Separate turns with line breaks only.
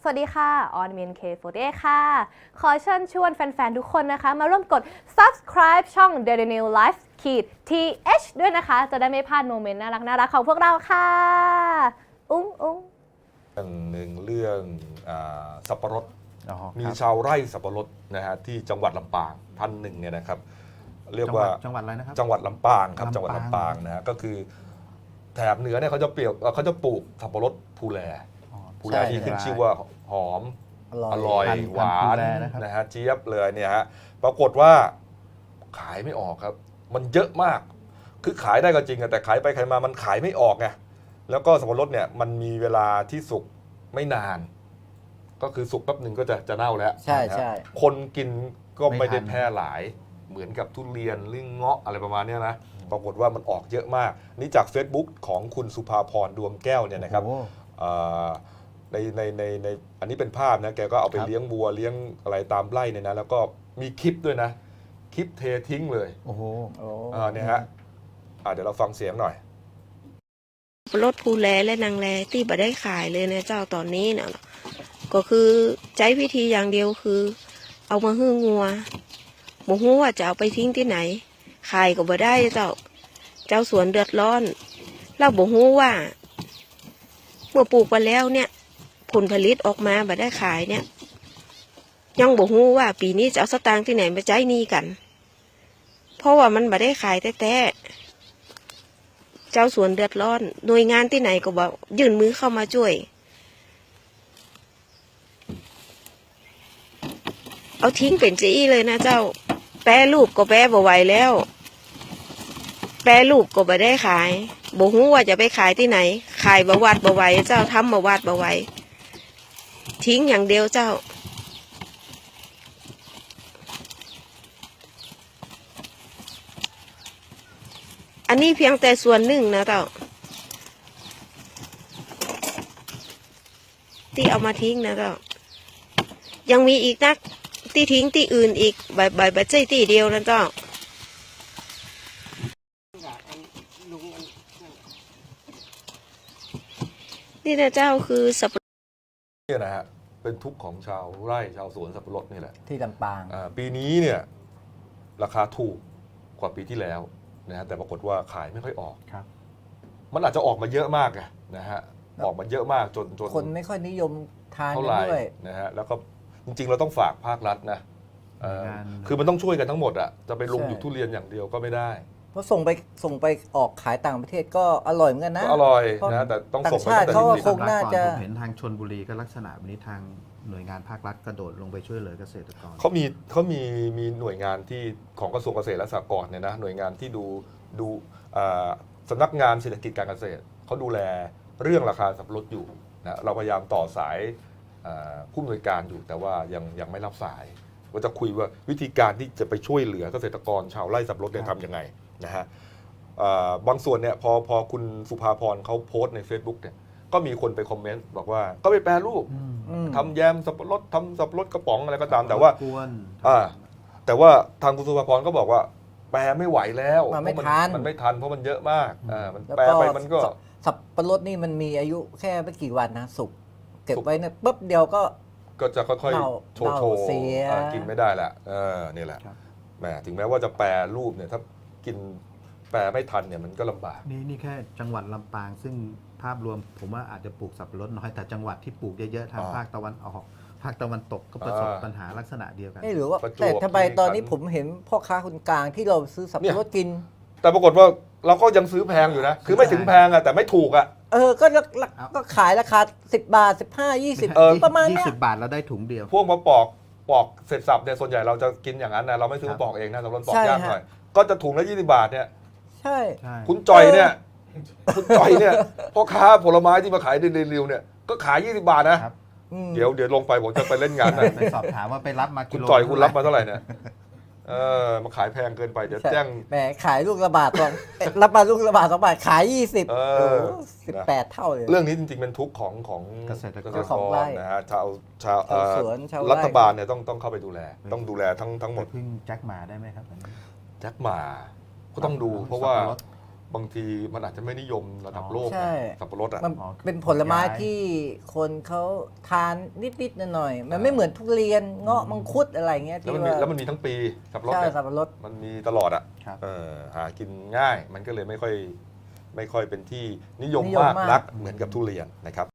สวัสดีค่ะออนเมียน K48 ค่ะ ขอเชิญชวนแฟนๆ ทุกคนนะคะ มาร่วมกด subscribe ช่อง Daily New Life TH ด้วยนะคะ จะได้ไม่พลาดโมเมนต์น่ารักๆของพวกเราค่ะ อุ้ง
หนึ่งเรื่องสับปะรด มี
ครับ
ชาวไร่สับปะรดนะฮะที่จังหวัดลำปางท่านหนึ่งเนี่ยนะครับ เรียกว่า
จังหวัดอะไรนะครับ
จังหวัดลำปางครับ
ลำปาง
จังหวัดลำปางนะฮะก็คือแถบเหนือเนี่ยเขาจะปลูกสับปะรดภูแลภูแลที่ขึ้นชื่อว่าหอมอร่อย
พันธุ์
หวาน
ภูแลนะครับ
นะฮะเจี๊ยบเลยเนี่ยฮะปรากฏว่าขายไม่ออกครับ มันเยอะมากคือขายได้ก็จริงแต่ขายไปขายมามันขายไม่ออกไงแล้วก็สับปะรดเนี่ยมันมีเวลาที่สุกไม่นาน ก็คือสุกแป๊บหนึ่งก็จะเน่าแล้ว
ใช่
นะฮะ
ใช่
คนกินก็ไม่ได้
ไม่ทัน
แพร่หลายเหมือนกับทุเรียนหรือเงาะอะไรประมาณเนี้ยนะปรากฏว่ามันออกเยอะมาก นี่จาก Facebook ของคุณสุภาพรดวงแก้วเนี่ยนะครับ
โอ้
อ่าในอันนี้เป็นภาพนะแกก็เอาไป
ครับ
เลี้ยงวัวเลี้ยงอะไรตามไร่เนี่ยนะแล้วก็มีคลิปด้วยนะ คลิปเททิ้งเลย
โอ้โห
โอ้
เนี่ยฮะเดี๋ยวเราฟังเสียงหน่อย
รถภูแลและนางแลที่บ่ได้ขายเลยนะเจ้าตอนนี้นะก็คือใช้วิธีอย่างเดียวคือ เอามาหื้องัวบ่ฮู้ว่าจะเอาไปทิ้งที่ไหนขายก็บ่ได้เจ้าสวนเดือดร้อนเราบ่ฮู้ว่า เมื่อปลูกไปแล้วเนี่ย ผลผลิตออกมาบ่ได้ขายเนี่ยยังบ่ฮู้ว่าปีนี้จะเอาสตางค์ที่ไหนมาใช้หนี้กัน เพราะว่ามันบ่ได้ขายแท้ๆเจ้าสวนเดือดร้อน หน่วยงานที่ไหนก็บอกยื่นมือเข้ามาช่วย เอาทิ้งเป็นจี้เลยนะเจ้า แปรรูปก็แปรบ่ไหวแล้ว แปรรูปก็บ่ได้ขายบ่ฮู้ว่าจะไปขายที่ไหน ขายบ่วัดบ่ไหวเจ้าทำบ่วัดบ่ไหวทิ้งอย่างเดียวเจ้า อันนี้เพียงแต่ส่วนหนึ่งนะเจ้าที่เอามาทิ้งนะเจ้ายังมีอีกนักที่ทิ้งที่อื่นอีกใบใช่ที่เดียวนะเจ้านี่นะเจ้าคือสับปะรด
เนี่ยนะฮะเป็นทุกข์ของชาวไร่ชาวสวนสับปะรดนี่แหละ
ที่ลำปาง
ปีนี้เนี่ยราคาถูกกว่าปีที่แล้วนะฮะแต่ปรากฏว่าขายไม่ค่อยออก
ครับ
มันอาจจะออกมาเยอะมากไงนะฮะออกมาเยอะมากจน
คนไม่ค่อยนิยมทาน
เท่า
กั
ไห
น
ร่
ด้วย
นะฮะแล้วก็จริงๆเราต้องฝากภาครัฐนะเอ่อ
หน่วยงาน
คือมันต้องช่วยกันทั้งหมดอ่ะจะไปลง
ใช่
อยู่ทุเรียนอย่างเดียวก็ไม่ได้
เพราะส่งไปออกขายต่างประเทศก็อร่อยเหมือนกันนะ
ก็อร่อย
เพราะ
นะแต่ต้อง
ต่าง
ส่งไป
ชาติ
ตั้งแต่
เขาก็
ที่
คงน่าจะ
ผมเห็นทางชลบุรีก็ลักษณะแบบนี้ทางหน่วยงานภาครัฐกระโดดลงไปช่วยเหลือเกษตรกร
เขามีหน่วยงานที่ของกระทรวงเกษตรและสหกรณ์เนี่ยนะหน่วยงานที่ดูสำนักงานเศรษฐกิจการเกษตรเขาดูแลเรื่องราคาสับปะรดอยู่นะเราพยายามต่อสายผู้อำนวยการอยู่แต่ว่ายังไม่รับสายว่าจะคุยว่าวิธีการที่จะไปช่วยเหลือเกษตรกรชาวไร่สับปะรดเนี่ยทำยังไงนะฮะบางส่วนเนี่ยพอคุณสุภาพรเขาโพสต์ใน Facebook เนี่ยก็มีคนไปคอมเมนต์บอกว่าก็ไปแปรรูป
อืม
ทำแยมสับปะรดทำสับปะรดกระป๋องอะไรก็ตามแต่ว่า
กวน
แต่ว่าทางคุณสุภาพรก็บอกว่าแปลไม่ไหวแล้ว
มันไม่
เพราะ
ทัน
มันไม่ทันเพราะมันเยอะมากมัน
แล้ว
แปล
ก็
ไปมันก็
สับปะรดนี่มันมีอายุแค่ไม่กี่วันนะสุกเก็บไว้เนี่ยปุ๊บเดียวก็
ก็จะค่อย
เน่า
ๆโชว์
เสีย
กินไม่ได้แหละนี่แหละ
ครับ
แหมถึงแม้ว่าจะแปรรูปเนี่ยถ้ากินแปรไม่ทันเนี่ยมันก็ลำบาก
นี่แค่จังหวัดลำปาง ซึ่งภาพรวมผมว่าอาจจะปลูกสับปะรดน้อยแต่จังหวัดที่ปลูกเยอะๆทางภาคตะวันออกภาคตะวันตกก็ประสบปัญหาลักษณะเดียวกัน
หรือว่า
ประจวบ
แต่ทำไม
คีรีขันธ์
ตอนนี้ผมเห็นพ่อค้าคนกลางที่เราซื้อสับปะรดกิน
แต่ปรากฏว่าเราก็ยังซื้อแพงอยู่นะ คือไม่ถึงแพงอะแต่ไม่ถูกอะ
ก็ขายราคา10 บาท 15 20 ประมาณเนี้ย
20 บาทแล้วได้ถุงเดียว
พวกมาปอกเสร็จสับเนี่ยส่วนใหญ่เราจะกินอย่างนั้นนะเราไม่ซื้อมาปอกเองนะสำหรับปอก
ใช่
ยาก
ฮะ
หน่อยก็จะถุงละ20 บาทเนี่ย
ใช่
ใช่
คุณจอยเนี่ยคุณจอยเนี่ยพ่อค้าผลไม้ที่มาขายในเร็วๆเนี่ยก็ขาย20 บาทนะครับ
อืม
เดี๋ยวลงไปผมจะไปเล่นงานนะ
ไปสอบถามว่าไปรับมา
คุ
กิ
ณ
โล
จอยคุณรับมาเท่าไหร่เนี่ยมาขายแพงเกินไปเดี๋ยวแจ้ง
แหมขายลูกละบาทสองรับมาลูกละบาท2 บาทขาย 20
เออ
18 เท่าเลย
เรื่องนี้จริงๆเป็นทุกข์ของ
เกษตรกร
ของไร่
นะฮะชาว
ชาวสวนชาวไร่
รัฐบาลเนี่ยต้องเข้าไปดูแลต้องดูแลทั้งหม
ไป
ด
พึ่งแจ็คหมาได้ไหมครับอันนี้
แจ็คหมาก็ต้องดูเพราะว่า
สับปะรด
บางทีมันอาจจะไม่นิยมระดับโลก
ใช่
นะสับปะรดอ่ะ
มันเป็นผลไม้ที่คนเขาทานนิดๆหน่อยๆมันไม่เหมือนทุเรียนเงาะมังคุดอะไรเงี้ย
แล้ว
ที่
มันมี
ว่า
แล้วมันมีทั้งปีสับปะรด
ใช่
เนี่ย
สับปะรด
มันมีตลอดอ่ะ
ครับ
หากินง่ายมันก็เลยไม่ค่อยเป็นที่นิยม
นิยม
มาก
มาก
นักเหมือนกับทุเรียนนะครับ